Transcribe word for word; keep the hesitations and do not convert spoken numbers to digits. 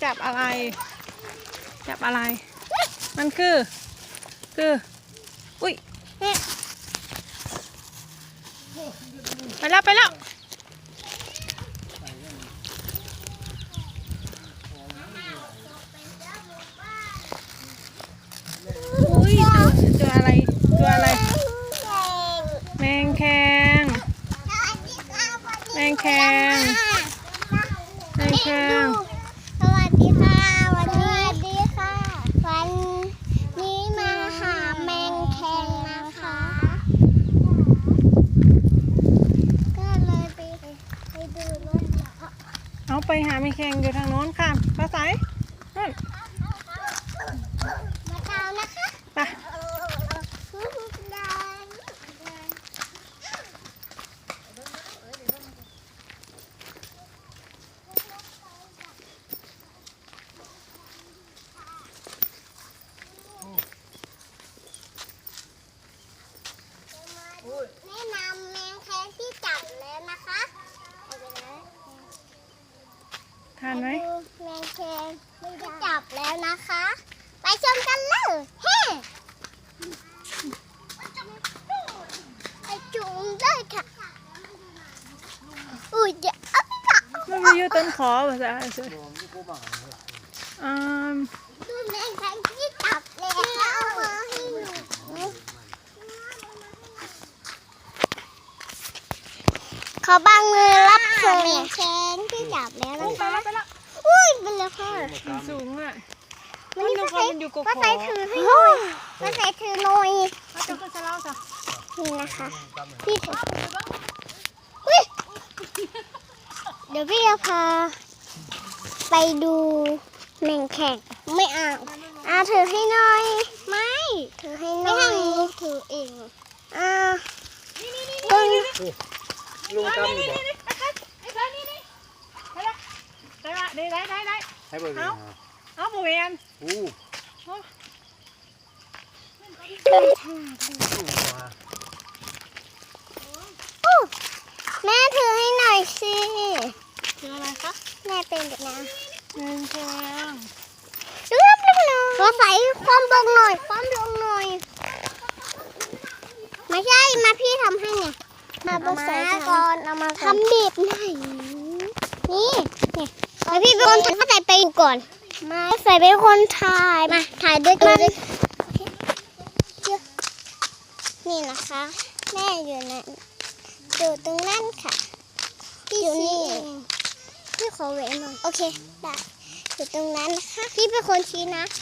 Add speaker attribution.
Speaker 1: จับอะไร จับอะไร มันคือ คือ อุ้ยไปแล้วไปแล้วอุ้ยตัวอะไรตัวอะไรแมงแคงแมงแคงแมงแคง
Speaker 2: สวัสดีค่ะวันนี้สวัสดีค่ะวันนี้มาหาแมงแคงนะคะก็เลยไปไปดูรถ
Speaker 1: เอาไปหาแมงแคงอยู่ทางโน้นค่ะปลาใสนั่น
Speaker 2: มาตามนะคะ
Speaker 1: ไป
Speaker 2: แนะนำแมงแคงที่จับแล้วนะคะ
Speaker 1: ทานไหม
Speaker 2: แมงแคงที่จับแล้วนะคะไปชมกันเลยเฮ้ไปจุ่มเลยค่ะอุ้ยเดี๋ยวเอาไปละ
Speaker 1: มันมีอยู่ต้นขอภาษาอะไรอ่า
Speaker 2: ดูแมงแคงที่จับแล้วเอามาให้หนูขอบางมือรับชมแมงแคงที่จับแล้วนะคะอุ้ยเป็นแล้วค่ะ
Speaker 1: สูงเลย
Speaker 2: มันนี่ก็ใส่ก็ใส่ถือให้หน่อยก็ใส่ถือหน่อยนี่นะคะพี่ถือเดี๋ยวพี่จะพาไปดูแมงแคงไม่เอาอ่าถือให้หน่อยไม่ถือให้หน่อยไม่ให้ถือเองอ่าลุง
Speaker 3: ลุงจำอยู่บ่
Speaker 1: ได้ได้ได้ได้
Speaker 3: ให้เบอร์เอา
Speaker 1: เอาบริเวณ
Speaker 3: อู้
Speaker 2: แม่ถือให้หน่อยสิ
Speaker 1: ถืออะไรคะ
Speaker 2: แม่เป็นแบบนี้
Speaker 1: หนึ่งแข็ง
Speaker 2: ดูรับดูหน่อยขอใส่ความลงหน่อยความลงหน่อยไม่ใช่มาพี่ทำให้ไงมาบใส่ก่อนเอามาทำบีบไหนนี่นี่แล้วพี่เป็นคนถ่ายใส่ไปก่อนมาใส่เป็นคนถ่ายมาถ่ายด้วยกันนี่นะคะแม่อยู่นั่นอยู่ตรงนั้นค่ะอยู่นี่พี่ขอเว้นหน่อยโอเคได้อยู่ตรงนั้นนะคะพี่เป็นคนชี้นะ